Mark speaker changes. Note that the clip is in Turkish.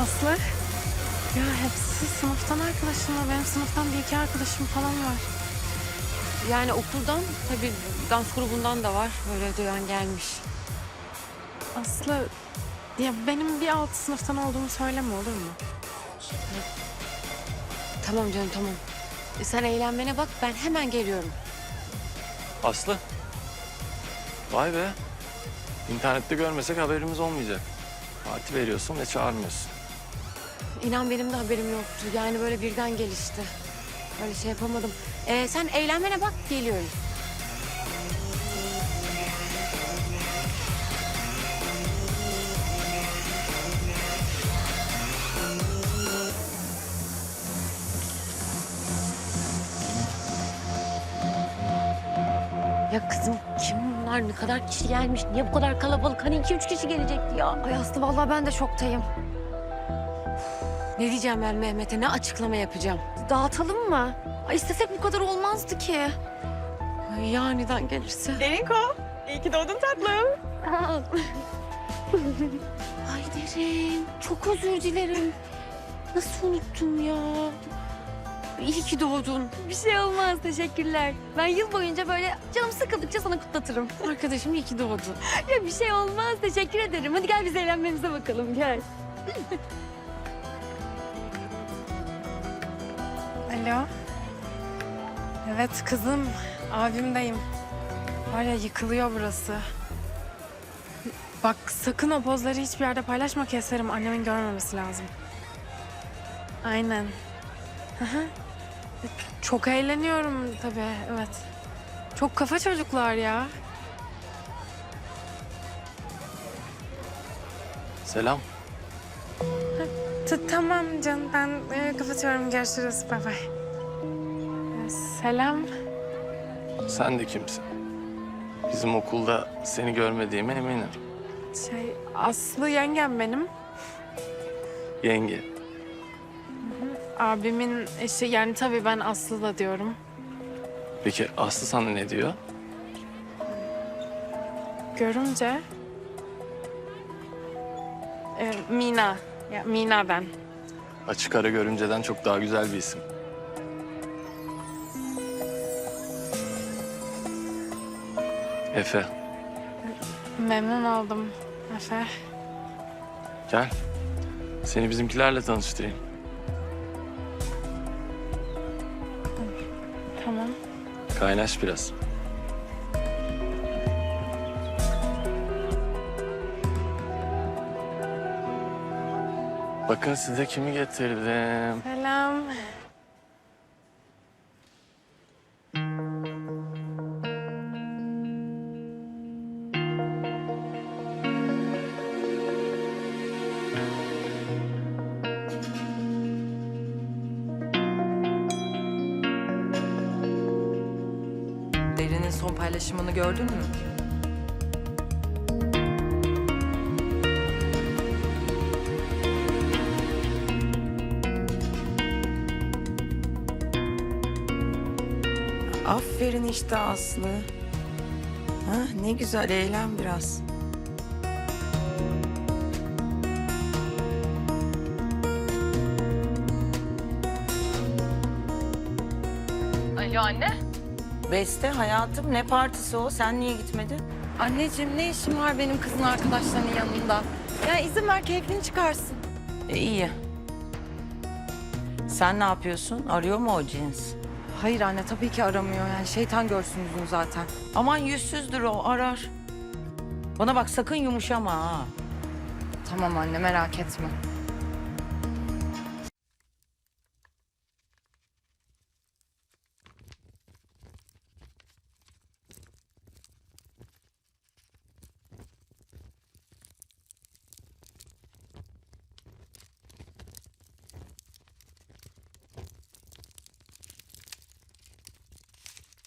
Speaker 1: Aslı. Ya hepsi sınıftan arkadaşım var. Benim sınıftan bir iki arkadaşım falan var.
Speaker 2: Yani okuldan, tabii dans grubundan da var. Böyle duyan gelmiş.
Speaker 1: Aslı, ya benim bir alt sınıftan olduğumu söyleme olur mu?
Speaker 2: Tamam canım, tamam. Sen eğlenmene bak, ben hemen geliyorum.
Speaker 3: Aslı. Vay be. İnternette görmesek haberimiz olmayacak. Parti veriyorsun ve çağırmıyorsun.
Speaker 2: İnan benim de haberim yoktu. Yani böyle birden gelişti. Öyle şey yapamadım. Sen eğlenmene bak, geliyorum. Ya kızım kim bunlar? Ne kadar kişi gelmiş? Niye bu kadar kalabalık? Hani 2-3 kişi gelecekti ya.
Speaker 4: Ay Aslı vallahi ben de şoktayım.
Speaker 2: Ne diyeceğim ben Mehmet'e? Ne açıklama yapacağım?
Speaker 4: Dağıtalım mı? Ay istesek bu kadar olmazdı ki.
Speaker 2: Ay, ya aniden gelirse?
Speaker 1: Derinko, iyi ki doğdun tatlım.
Speaker 2: Ay Derin, çok özür dilerim. Nasıl unuttum ya? İyi ki doğdun.
Speaker 4: Bir şey olmaz teşekkürler. Ben yıl boyunca böyle canım sıkıldıkça sana kutlatırım.
Speaker 2: Arkadaşım iyi ki doğdun.
Speaker 4: Ya bir şey olmaz teşekkür ederim. Hadi gel biz eğlenmemize bakalım gel.
Speaker 1: Alo. Evet kızım, abimdeyim. Var ya yıkılıyor burası. Bak sakın o pozları hiçbir yerde paylaşma, keserim. Annemin görmemesi lazım. Aynen. Hı hı. Çok eğleniyorum tabii, evet. Çok kafa çocuklar ya.
Speaker 3: Selam.
Speaker 1: Tamam canım, ben kapatıyorum. Görüşürüz, bay bay. Selam.
Speaker 3: Sen de kimsin? Bizim okulda seni görmediğime eminim.
Speaker 1: Aslı yengem benim.
Speaker 3: Yenge.
Speaker 1: Abimin eşi, yani tabii ben Aslı da diyorum.
Speaker 3: Peki Aslı sana ne diyor?
Speaker 1: Görümce. Mina. Ya Mina ben.
Speaker 3: Açık ara görümceden çok daha güzel bir isim. Efe,
Speaker 1: Memnun oldum Efe.
Speaker 3: gel. Seni bizimkilerle tanıştırayım.
Speaker 1: Tamam.
Speaker 3: Kaynaş biraz. Bakın size kimi getirdim.
Speaker 1: Selam.
Speaker 5: Derin'in son paylaşımını gördün mü?
Speaker 6: Aferin işte Aslı. Ha, ne güzel eğlen biraz.
Speaker 5: Alo anne.
Speaker 6: Beste hayatım ne partisi o? Sen niye gitmedin?
Speaker 5: Anneciğim ne işim var benim kızın arkadaşlarının yanında? Ya izin ver keyfini çıkarsın.
Speaker 6: İyi. Sen ne yapıyorsun? Arıyor mu o cins?
Speaker 5: Hayır anne tabii ki aramıyor yani şeytan görsün yüzünü zaten.
Speaker 6: Aman yüzsüzdür o arar. Bana bak sakın yumuşama ha.
Speaker 5: Tamam anne merak etme.